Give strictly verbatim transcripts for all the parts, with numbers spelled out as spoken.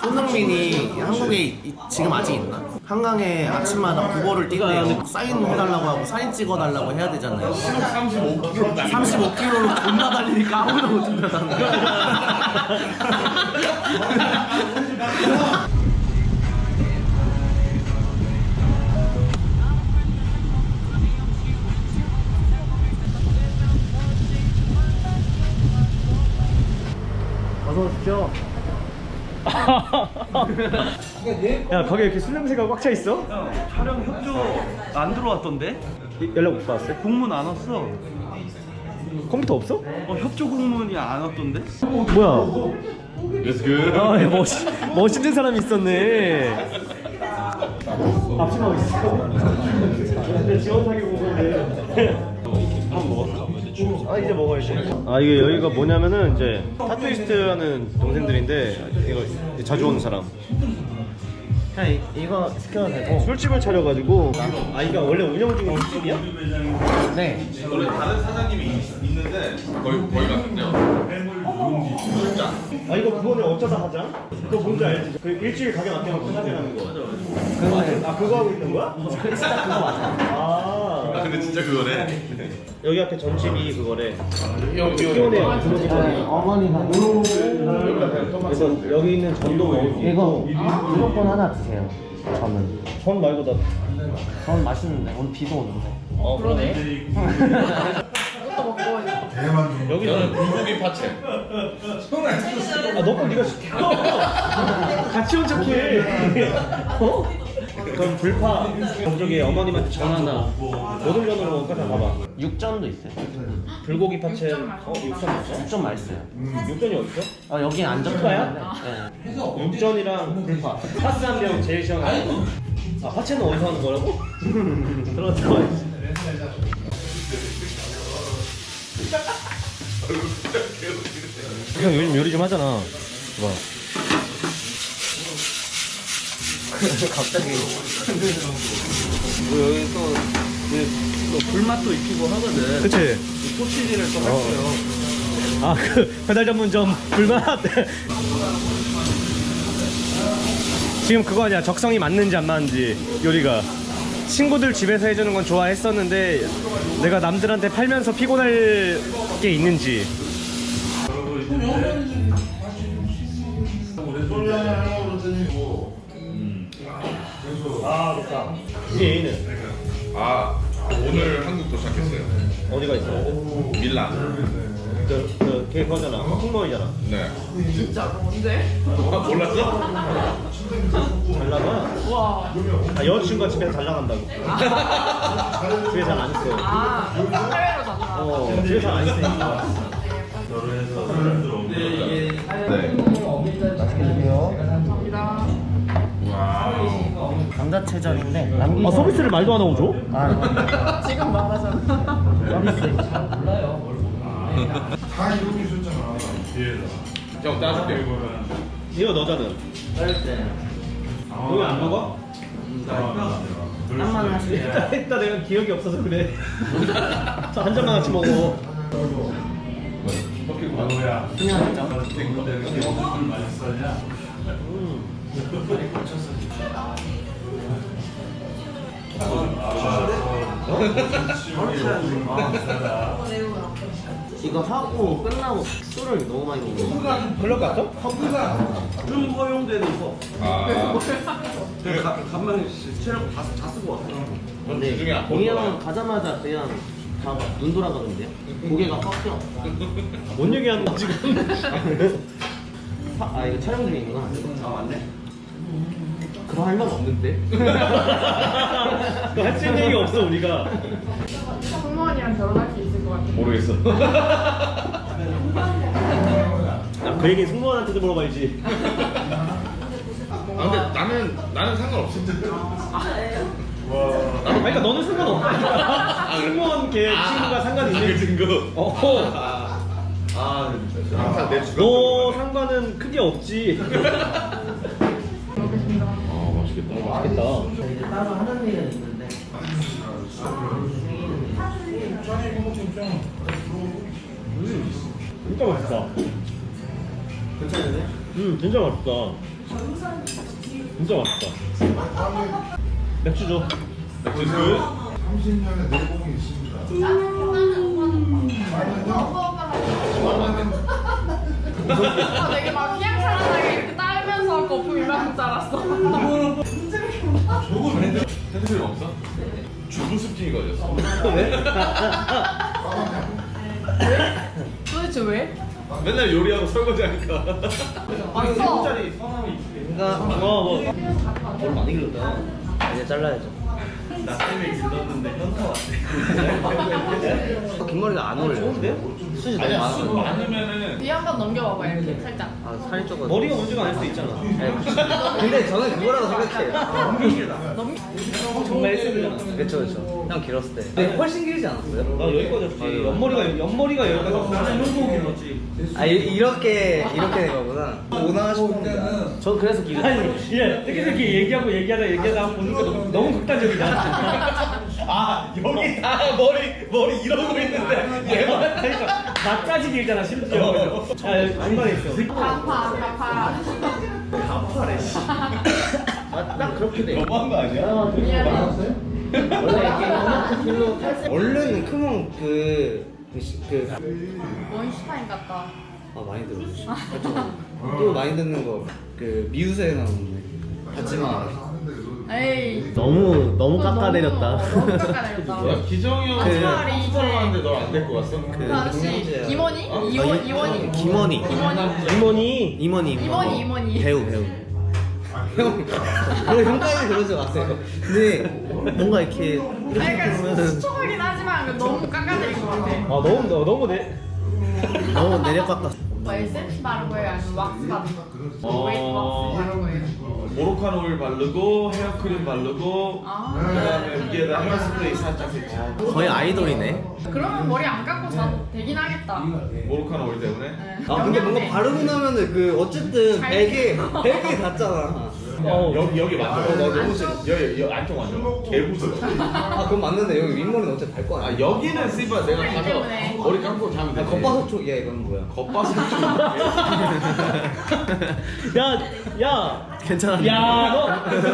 손흥민이 한국에 이- 지금 아직 있나? 한강에 아침마다 국어를 뛴대요. 사인 해달라고 하고 사진 찍어달라고 해야 되잖아요. 삼십오 킬로미터 삼십오 킬로미터로 존나 달리니까 아무도 못 뛴다는 거야. 어서 오십시오. 야 거기 이렇게 술 냄새가 꽉 차 있어? 촬영 협조 안 들어왔던데? 연락 못 받았어요? 공문 안 왔어. 컴퓨터 없어? 어, 협조 공문이 안 왔던데? 뭐야? It's good. 아 야, 멋있, 멋있는 사람이 있었네. 앞치마고 있어. 근데 지원 사기 본 건데. 한번 먹었어? 아 이제 먹어야지. 아 이게 여기가 뭐냐면은 이제 타투이스트라는 동생들인데 이거 자주 오는 사람. 그냥 이, 이거 시켜도 되고. 술집을 차려가지고. 아 이거 원래 운영 중인 술집이야? 네. 원래 다른 사장님이 있, 있는데 거의 거의 같은데요. 아 이거 그거는 어쩌다 하자. 그거 뭔지 알지? 그 일주일 가게 맡겨놓고 사장하는 거. 그거는 아 그거 하고 있는 거야? 진짜 그거 맞아. 아 아 근데 진짜 그거네. 여기 앞에 전집이 그거래. 형 키오네 네, 어머니가 그래서 여기 있는 전도 먹을 수 이거 있고. 무조건 하나 드세요. 저는. 전 말고 나. 전 맛있는데 오늘 비도 오는데. 어 그러네. 여기는 불고기 파채. 아 너거 네가 시켜. 같이 온 척해. 어? 그럼 불파 저쪽에 어머님한테 전화나 모든 전으로 먹을까? 다 봐봐. 육전도 있어요. 불고기 파채. 어 육전 맞아? 육전 맛있어요. 육전이 어딨어? 아 여긴 안 적혀있는데. 네. 육전이랑 불파. 파스 한 병 제일 시원한 거. 아 파채는 어디서 하는 거라고? 들어가 들어가. 형 요즘 요리 좀 하잖아. 봐. 갑자기. 뭐 여기 또, 그, 또 불맛도 익히고 하거든. 그치? 소시지를 또 할게요. 아 그 배달 전문점 불맛. 지금 그거 아니야. 적성이 맞는지 안 맞는지 요리가. 친구들 집에서 해주는 건 좋아했었는데 내가 남들한테 팔면서 피곤할 게 있는지. 아 좋다. 이게 A는 아 오늘 한국 도착했어요. 어디가 있어? 밀란. 그, 그, 걔 그거잖아. 풍머이잖아. 네. 진짜 뭔데? 아, 몰랐어? 잘 나가? 와. 아, 여자친구가 집에서 잘 나간다고. 집에 잘 안 있어. 아, 해외로 자주 어, 집에 잘 안 있으니까. 네. 감사합니다. 와우. 감자채절인데 남기. 아, 서비스를 말도 안 하고 줘? 아, 지금 말하잖아. 서비스. 다 이렇게 줬잖아. 형 따줄게. 이거 너잖아. 여기 안 먹어? 땀만 하시면 했다, 했다 내가 기억이 없어서 그래. 저 한 잔만 같이 먹어. 그냥이죠. 이거 하고 끝나고 술을 너무 많이 먹는 클럽 갔어? 좀 허용되는 거. 아. 그냥 가- 간만에 체력 다, 다 쓰고 왔어. 근데 중에 안 동이 먹어. 형은 가자마자 그냥 다 눈 돌아가는데요? 고개가 꺾여. 뭔 얘기하는 거 지금? 사- 아 이거 촬영 중에 있구나. 아, 맞네. 그럼 할 말 없는데? 할 수 있는 얘기 없어 우리가. 승무원이랑 결혼할 수 있을 것 같아. 모르겠어. 야, 그 얘기 승무원한테도 물어봐야지. 아 근데 나는 나는 상관없어. 아니, 그러니까 너는 상관없다. 승무원 걔 친구가 상관 있는. 그 친구. 어. 아 항상 내 주변. 너 상관은 크게 없지. 먹겠습니다. 아 맛있겠다. 맛있겠다. 이제 따로 하는 일은 있는데. 진짜 맛있다. 괜찮은데? 음, 진짜 맛있다. 진짜 맛있다. 맥주 줘. 맥주 그 삼십 년의 내공이 있습니다. 아, 되게 막 휘황찬란하게 이렇게 따르면서 거품 이만큼 자랐어. 핸드폰 없어? 주부 습진이 걸렸어. 도대체 왜? 맨날 요리하고 설거지 하니까. 왔어. 그러니까 어 뭐. 뭘 많이 길렀다. 이제 잘라야죠. 나 때문에 길렀는데 현타 왔네. 긴 머리가 안 어울려. 수지 너무 아니야, 술 많아. 많으면은 뒤에 한번 넘겨봐봐 이렇게 살짝. 아 살이 쪄가. 머리가 문제가 아닐 수도 있잖아. 근데 저는 그거라고 생각해. 넘. 정말 에스잖아. 그렇죠 그렇죠. 형 길었을 때. 근데 훨씬 길지 않았어요? 나 여기까지 없지. 옆머리가 옆머리가 여기까지 없어. 나는 형도 길었지. 아 이, 이렇게 이렇게 된 거구나. 오나 싶은데. 전 그래서 길. 아니, 얘 이렇게 이렇게 얘기하고 얘기하다 얘기하다 보니까 너무, 너무 극단적이다. 아 여기 다 머리 머리 이러고 있는데 얘만 그러니까 나까지 길잖아 심지어. 아 중간에 있어. 가파 가파. 딱 그렇게 돼. 너무한 거 아니야? 미안해. 원래 이렇게 길로 원래는 크면 그. 그, 시- 그, 원슈타인 같다. 아 많이 들었어. 또 많이 듣는 거 그 미우새 나오는데 하지마. 에이. 너무 너무 또 깎아내렸다. 너무, 너무 깎아내렸다. 야 기정이 형 그- 수술 하는데 널 안 데리고 왔어? 그 아저씨 김원희? 이원 이원희. 김원희. 김원희. 이모니. 임원희. 임원희, 임원희. 배우 배우. 형, 그래 형까지 그러지 마세요. 근데 뭔가 이렇게 아니, 이렇게 그러니까 보면은 수척하긴 하지만 너무 깎아내린 것 같아. 아 너무 너- 너무 내. 너무 내려깎았어. 오빠 에센스 바른 거예요? 아니면 왁스 바른 거? 어. 웨이트 왁스 바른 거예요? 모로칸 오일 바르고 헤어크림 바르고 아. 그다음에 위에다 헤어스프레이 살짝 했지. 거의 아이돌이네. 그러면 머리 안 깎고 자도 되긴 하겠다. 모로칸 오일 때문에. 네. 아 근데 뭔가 영양제. 바르고 나면은 그 어쨌든 잘 베개 베개 닿잖아. 어 여기 여기 만져. 어, 나 너무 싫어. 여기 여기 안쪽 만져. 개부스러. 아 그건 맞는데 여기 윗머리는 어차피 달 거 아 아니야. 여기는 씨발 내가 가서 때문에. 머리 감고 자면 아, 되지. 겉바속 쪽이야 이건 뭐야? 겉바속 쪽. 야, 야, 괜찮아. 야, 너.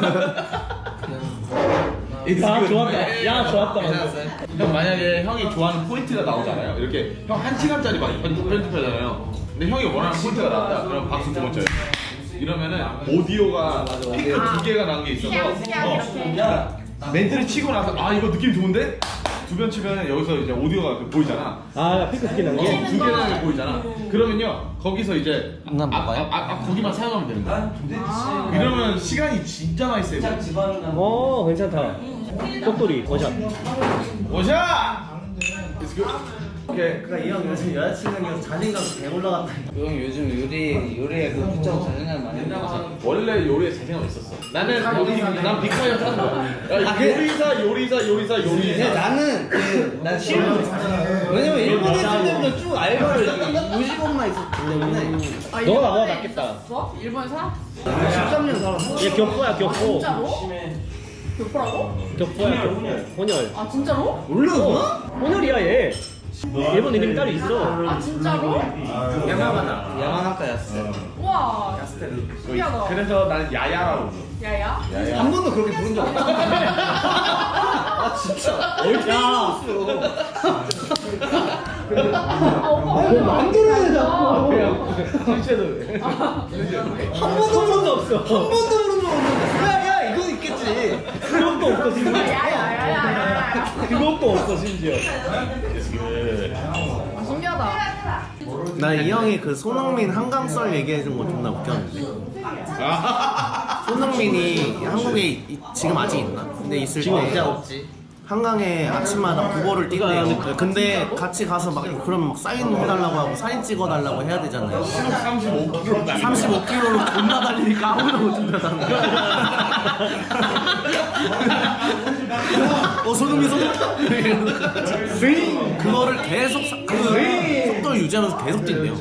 야, 좋았다. 야, 좋았다. 형 만약에 형이 좋아하는 포인트가 나오잖아요. 이렇게 형 한 시간짜리 막 편집- 편집하잖아요. 근데 형이 원하는 포인트가 나왔다. 그럼 박수 두 번 쳐요. 이러면은 오디오가 스피커 두 개가 난 게 있어서 스캔, 스캔 어, 이렇게. 야 멘트를 치고 나서 아 이거 느낌 좋은데? 두 번 치면 여기서 이제 오디오가 보이잖아. 아, 핑크 스킨 난 어, 게. 두 개나 게 보이잖아. 그러면요 거기서 이제 아, 난 아, 뭐가요? 아, 아, 거기만 사용하면 되는 거야. 이러면 시간이 진짜 많이 세고. 어, 괜찮다. 똑돌이 원샷. 오샤! It's good. 오케이. 그러니까 이 형 요즘 여자친구랑 자신감 개 올라갔다. 형 요즘 요리 요리에 그 붙잡고 자신감 많이 있어. 원래 요리에 자신감 있었어. 나는 여기 난 빅카이어 하는 거야. 야, 아, 그- 요리사 요리사 요리사 근데 요리사. 나는 그난 싫어. 왜냐면 일본에 있을 때부터 쭉 알바를 오십원만 있었기 때문에 아, 너가 나보다 일본에 낫겠다. 있었어? 일본에 살았어? 십삼 년 살았어. 얘 격포야, 격포. 진짜로? 교포라고? 격포야, 격포. 혼혈. 아 진짜로? 몰라? 혼혈이야, 얘. 일본 이름 딸이 있어. 아 진짜로? 야마가다. 야마나카였어. 우와 신기하다. 그래서 나는 야야라고 불러. 야야? 한 번도 그렇게 부른 적 없어. 아 진짜. 야, 아 오빠 왜 만들어야 자꾸. 실제로. 한 번도 부른 적 없어. 한 번도 부른 적 없는데. 야야 이거 있겠지. 그것도 없어, 심지어. 야야야야야야. 그것도 없어, 심지어. 아, 신기하다. 나 이 형이 그 손흥민 한강썰 얘기해준 거 존나 웃겼는데. 손흥민이 한국에 이- 지금 아직 있나? 근데 있을 지금 때 이제 없지. 한강에 아침마다 국어를 띄대요. 근데 같이 가서 막 그러면 막 사인 해달라고 하고 사진 찍어달라고 해야 되잖아요. 삼십오 킬로그램 나. 삼십오 킬로그램로 존나 달리니까 아무나 못 준다잖아. 어 손흥민 손흥민 그거를 계속 사- 그 속도를 유지하면서 계속 뛴대요.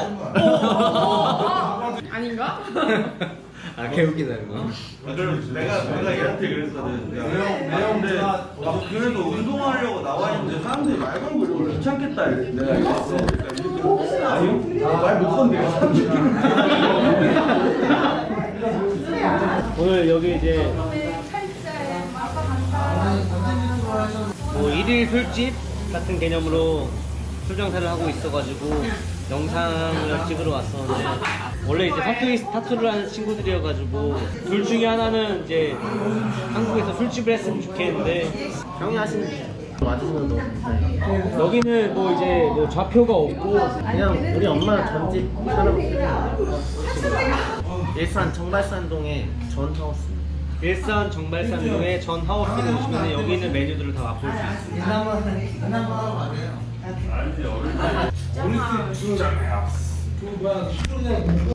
아닌가? 아 개웃기다 이거. 내가 내가 얘한테 그랬거든. 야, 근데 나 그래도 운동하려고 나와 있는데 사람들이 말 걸고 이러고 귀찮겠다. 이랬는데 내가 이랬어. 그러니까 이렇게 아니요? 아, 말 못 건데요. 오늘 여기 이제 뭐 일일 술집 같은 개념으로 출장사를 하고 있어가지고 영상을 찍으러 왔었는데 원래 이제 사투리 타투를 하는 친구들이어가지고 둘 중에 하나는 이제 한국에서 술집을 했으면 좋겠는데 형이 하시는 와주셔도 여기는 뭐 이제 뭐 좌표가 없고 그냥 우리 엄마 전집 촬영. 일산 정발산동에 전 하우스. 일산 정발산동의 전 하우스를 오시면 여기 있는 메뉴들을 다 맛볼 수 있습니다.